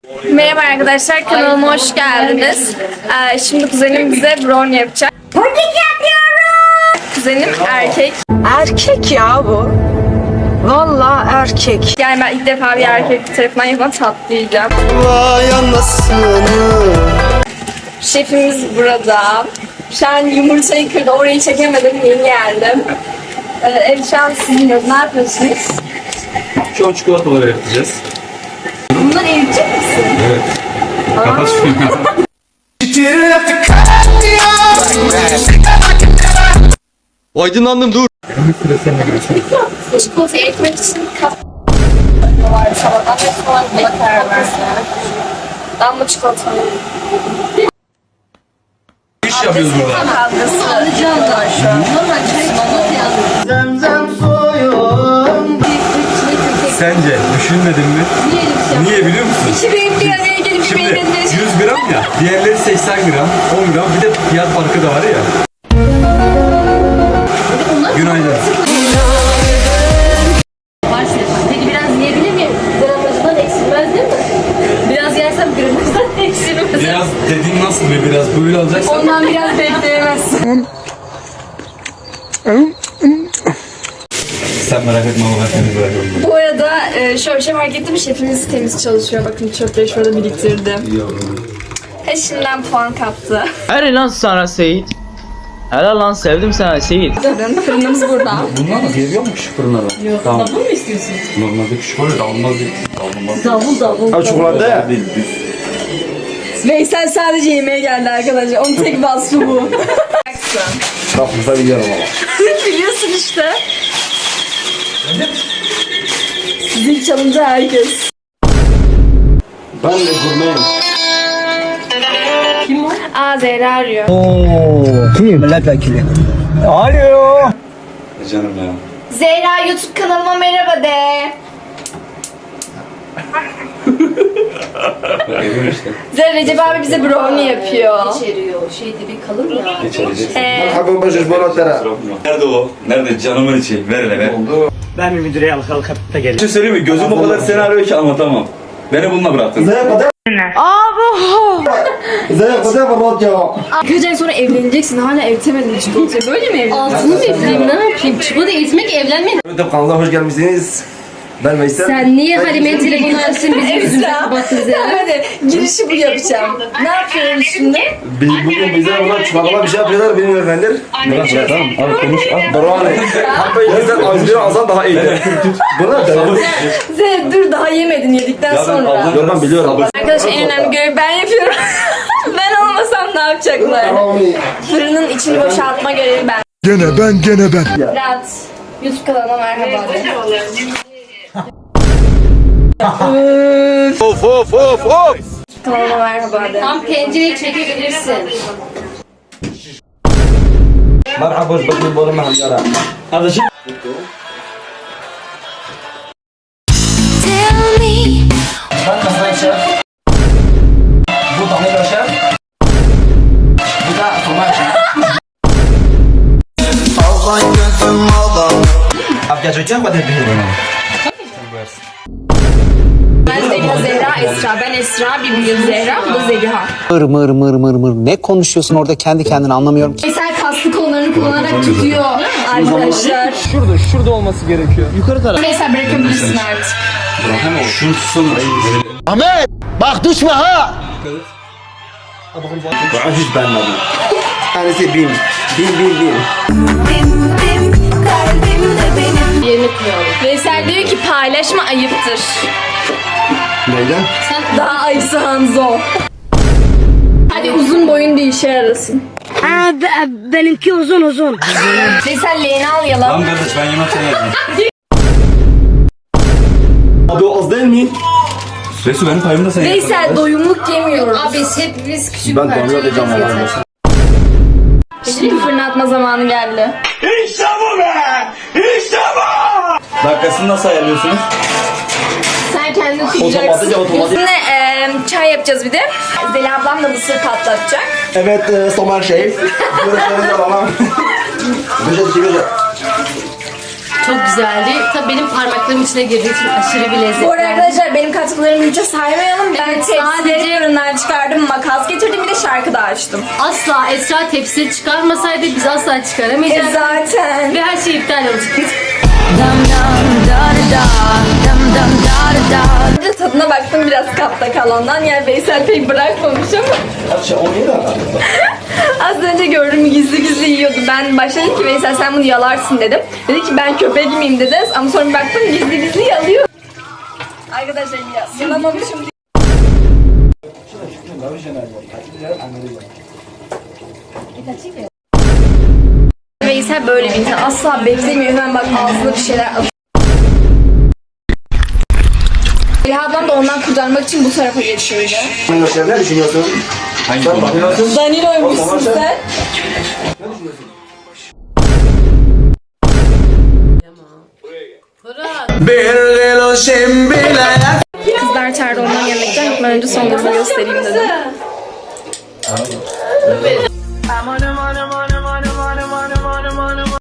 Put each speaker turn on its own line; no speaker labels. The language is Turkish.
Merhaba arkadaşlar, kanalıma hoş geldiniz. Şimdi kuzenim bize brownie yapacak.
Puding yapıyorum.
Kuzenim erkek.
Erkek ya bu. Vallahi erkek.
Yani ben ilk defa bir erkek tarafından yapılan tatlı yiyeceğim.
Vay anasını.
Şefimiz burada. Şu an yumurtayı kırdı, orayı çekemedim, yeni geldim. Şu an siliniyoruz, ne yapıyorsunuz?
Şu an çikolataları yapacağız.
Bunları eritecek misin?
Evet. Kapat şunu.
Aydınlandım dur.
Çikolata eritmek için var sabahdan ve sonra buna karar verdim. Damla çikolata.
İş yapıyoruz burada.
Kavgası var şu an.
Zemzem suyum.
Sence düşünmedin mi? Niye biliyor musun?
İki benim bir araya gelip
Şimdi
benim
100 gram ya, diğerleri 80 gram, 10 gram, bir de fiyat farkı da var ya. Günaydın.
Peki biraz yiyebilir miyim? Gramajından eksilmez değil mi? Biraz yersem gramajdan eksilmez.
Biraz dediğin nasıl bir biraz böyle olacaksa.
Ondan biraz bekleyemezsin.
Sen merak etme ama ben seni bırakıyorum.
Bu arada şöyle bir şey fark ettim. Şefimiz temiz çalışıyor. Bakın çöpleri şurada biriktirdim. Şimdiden puan kaptı.
Helal lan sana Seyit. Helal lan sevdim sana Seyit.
Fırınımız burada.
Bunlar mı geliyor mu küçük fırınlara? Yok. Tamam. Davul mu istiyorsun? Normalde küçük oluyor da olmaz değil.
Davul.
Abi çikolata ya.
Değil, düz.
Veysel sadece yemeğe geldi arkadaşlar. Onun tek vasfı bu.
Bak burada biliyorum ama.
Biliyorsun işte. Zil çalınca herkes.
Ben de gurmeyim.
Aa Zehra arıyor.
Canım ya.
Zehra YouTube kanalıma merhaba de.
Geliyor işte.
Zehra Recep abi bize brownie yapıyor.
İçeriyor. Şeyde bir kalın ya.
Geçelecek.
Merhaba bacış bolatlara.
Nerede o? Nerede? Canımın içi. Ver hele ver.
Ben bir müdüreye alıp da geleceğim.
Bir şey söyleyeyim mi? Gözüm o kadar senaryo ki anlatamam. Beni bununla bıraktın.
Zeyk kadar. Zeyk kadar bolat ya.
Birkaç ay sonra evleneceksin hala evletemedin çikolatayı. Böyle mi evleneceksin?
Altını mı üfleyeyim ne yapayım? Çikolata eritmek evlenmeyin.
YouTube kanalına hoş gelmişsiniz. Ben Veysel.
Sen niye Halime'ye telefonu açsın bizim yüzümüzü kapattınız ya?
Hadi girişi bu yapacağım. Ne yapıyoruz şimdi?
Biz bugün bize burada çikolata bir şey yapıyorlar bilmiyorum bendir.
Bırak bırak tamam. Al konuş al.
Brownie. Hatta bizden az bir azan daha iyiydi. Buna da.
Zehra dur daha yemedin yedikten sonra.
Yok ben biliyorum.
Arkadaşlar en önemli görevi ben yapıyorum. Ben olmasam ne yapacaklar? Fırının içini boşaltma görevi ben.
Gene ben.
Rahat. YouTube kanalıma merhaba de.
Of.
Kanalıma merhaba de.
Tam pencereyi çekebilirsin.
Merhaba hoş bulduk bu arada hamyara.
Kardeşim.
Ben Hasan Şef. Bu Damla Şef. Bu da Somer Şef. Aldan gözüm aldan. Abi gerçekten mi dedi?
Ben Zeliha, Esra. Ben Esra, bir büyüğüm Zehra, bu da Zeliha.
Mır. Ne konuşuyorsun orada kendi kendine anlamıyorum ki.
Veysel kaslı kollarını kullanarak tutuyor arkadaşlar.
Şurada olması gerekiyor. Yukarı taraf.
Veysel bırakabilirsin artık.
Bırakamam. Şunu tutsana.
Ahmet bak düşme ha.
Ben hiç beğenmedim. Tanesi bin.
Yerini kıyalım.
Veysel diyor ki paylaşma ayıptır.
Neyden?
Daha ayısı Hanzo. Hadi uzun boyun bir işe yarasın.
Benimki uzun.
Veysel leğeni
Tamam
alayalım.
kardeş ben yemek sen yedin.
Abi o az değil mi?
Resul benim payımı da sen yedin.
Veysel doyumluk yemiyoruz.
Abi hepimiz küçük
Ben
parça
Damla diyeceğim
yiyeceğiz
ama.
yeter.
Şimdi fırına atma zamanı geldi.
Dakikasını nasıl ayarlıyorsunuz?
Sen kendini
Otomatik.
tutacaksın. Üstüne çay yapacağız bir de. Zeliha ablam da mısır patlatacak.
Evet Somer Şef. Görüşlerinizi alalım. Güzel.
Çok güzeldi. Tabii benim parmaklarımın içine girdiği için aşırı bir lezzet.
Bu arada arkadaşlar benim katkılarımı hiç saymayalım. Ben
Evet,
tepsileri fırından çıkardım, makas getirdim, bir de şarkı da açtım.
Asla Esra tepsileri çıkarmasaydı biz asla çıkaramayacaktık.
Zaten.
Ve her şey iptal olacaktı.
Önce tadına baktım biraz kapta kalandan. Yani Veysel pek bırakmamış ama. Az önce gördüm gizli gizli yiyordu. Ben başladım ki Veysel sen bunu yalarsın dedim. Dedi ki ben köpek miyim dedi. Ama sonra bir baktım gizli gizli yalıyor. Arkadaşlar yalamamışım. Veysel böyle bir insan. Asla beklemiyor. Hemen bak ağzına bir şeyler atıyor. Eliha ablam da ondan kurtarmak için bu tarafa geçiyordu.
Ne düşünüyorsun?
Hangi
Sen
konu?
bakıyorsun.
Danilo'ymuşsun sen. Kızlar çağırdı ondan yemekten gitmeden önce son durumu göstereyim dedim.